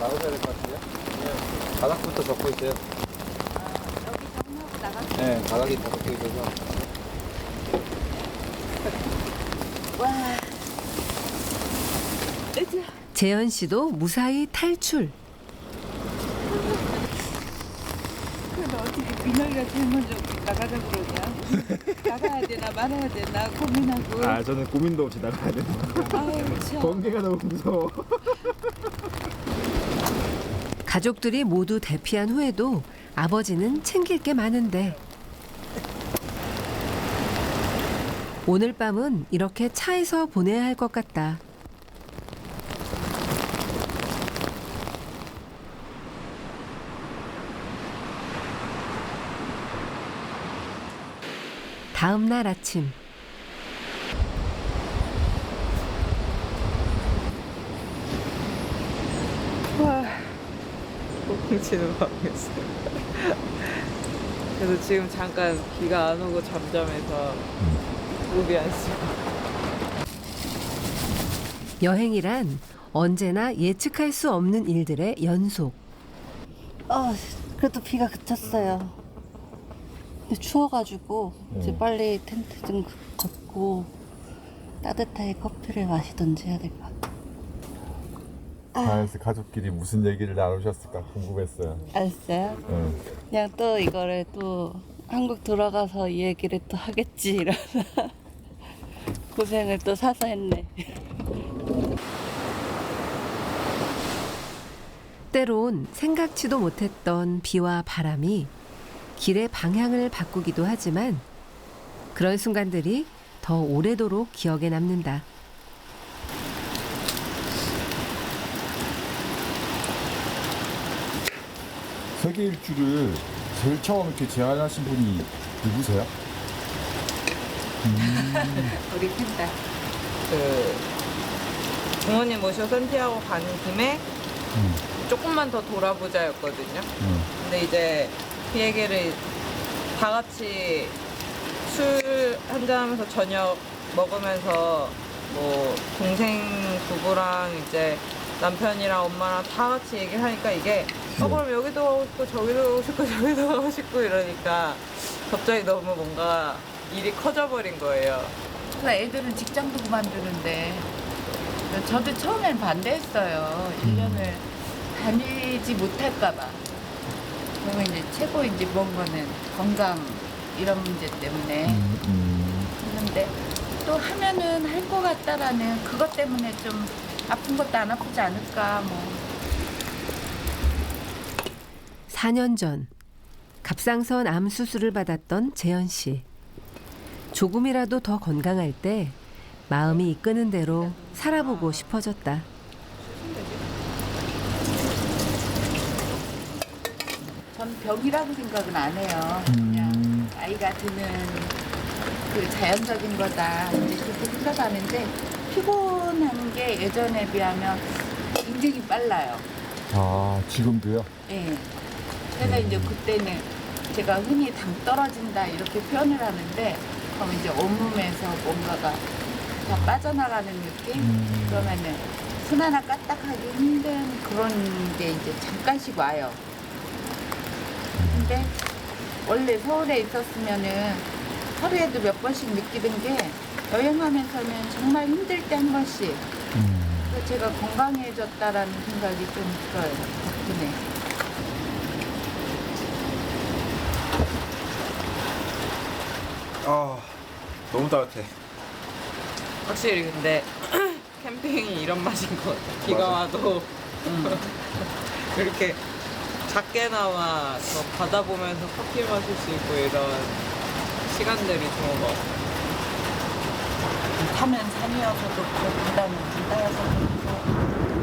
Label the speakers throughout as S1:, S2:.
S1: 나오셔야 될 것 같은데요? 네. 바닥부터 덮고 있어요.
S2: 여기 정리하고 나가서.
S1: 네, 바닥이 다 덮고 있어서.
S2: 와. 으쌰.
S3: 재현 씨도 무사히 탈출.
S2: 근데 어떻게 민혁이가 제일 먼저 나가자 그러냐? 나가야 되나 말아야 되나 고민하고.
S1: 아, 저는 고민도 없이 나가야 됩니다.
S2: 아유 참.
S1: 번개가 너무 무서워.
S3: 가족들이 모두 대피한 후에도 아버지는 챙길 게 많은데 오늘 밤은 이렇게 차에서 보내야 할 것 같다. 다음 날 아침
S2: 와. 뭉치는 밤이었어요. 그래서 지금 잠깐 비가 안 오고 잠잠해서 무비 안 쓰고.
S3: 여행이란 언제나 예측할 수 없는 일들의 연속.
S4: 그래도 비가 그쳤어요. 근데 추워가지고 이제 빨리 텐트 좀 걷고 따뜻하게 커피를 마시던지 해야 될 것 같아요.
S5: 그래서 가족끼리 무슨 얘기를 나누셨을까 궁금했어요.
S4: 알았어요?
S5: 응.
S4: 그냥 또 이거를 또 한국 돌아가서 이 얘기를 또 하겠지 이러면서 고생을 또 사서 했네.
S3: 때론 생각지도 못했던 비와 바람이 길의 방향을 바꾸기도 하지만 그런 순간들이 더 오래도록 기억에 남는다.
S5: 세계 일주를 제일 처음 이렇게 제안하신 분이 누구세요?
S2: 우리 팬다. 그 부모님 모시고 산티아고 가는 김에 조금만 더 돌아보자였거든요. 근데 이제 그 얘기를 다 같이 술 한잔 하면서 저녁 먹으면서 뭐 동생 부부랑 이제 남편이랑 엄마랑 다 같이 얘기를 하니까 이게 그럼 여기도 가고 싶고 저기도 가고 싶고 저기도 가고 싶고 이러니까 갑자기 너무 뭔가 일이 커져버린 거예요.
S6: 그 애들은 직장도 그만두는데 저도 처음엔 반대했어요. 1년을 다니지 못할까 봐. 그러면 이제 최고 이제 먼 거는 건강 이런 문제 때문에 했는데 또 하면은 할 것 같다라는 그것 때문에 좀 아픈 것도 안 아프지 않을까 뭐.
S3: 4년 전 갑상선 암 수술을 받았던 재현 씨. 조금이라도 더 건강할 때 마음이 이끄는 대로 살아보고 싶어졌다.
S6: 전 병이라고 생각은 안 해요. 그냥 아이가 드는 그 자연적인 거다 이제 그렇게 생각하는데 피곤한 게 예전에 비하면 굉장히 빨라요.
S5: 아 지금도요?
S6: 예. 제가 이제 그때는 제가 흔히 당 떨어진다 이렇게 표현을 하는데 그럼 이제 온몸에서 뭔가가 다 빠져나가는 느낌? 그러면은 손 하나 까딱하기 힘든 그런 게 이제 잠깐씩 와요. 근데 원래 서울에 있었으면은 하루에도 몇 번씩 느끼던 게 여행하면서는 정말 힘들 때 한 번씩. 그래서 제가 건강해졌다라는 생각이 좀 들어요. 덕분에.
S1: 아, 너무 따뜻해.
S2: 확실히 근데 캠핑이 이런 맛인 것 같아. 비가
S1: 맞아.
S2: 와도 이렇게 작게나마 저 바다 보면서 커피 마실 수 있고 이런 시간들이 좋은 것 같아.
S6: 타면 산이어서도 그렇고 바다는 바다여서도 그렇고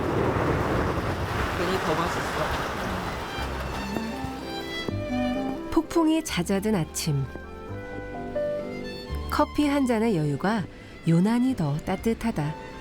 S2: 괜히 더 맛있어.
S3: 폭풍이 잦아든 아침. 커피 한 잔의 여유가 유난히 더 따뜻하다.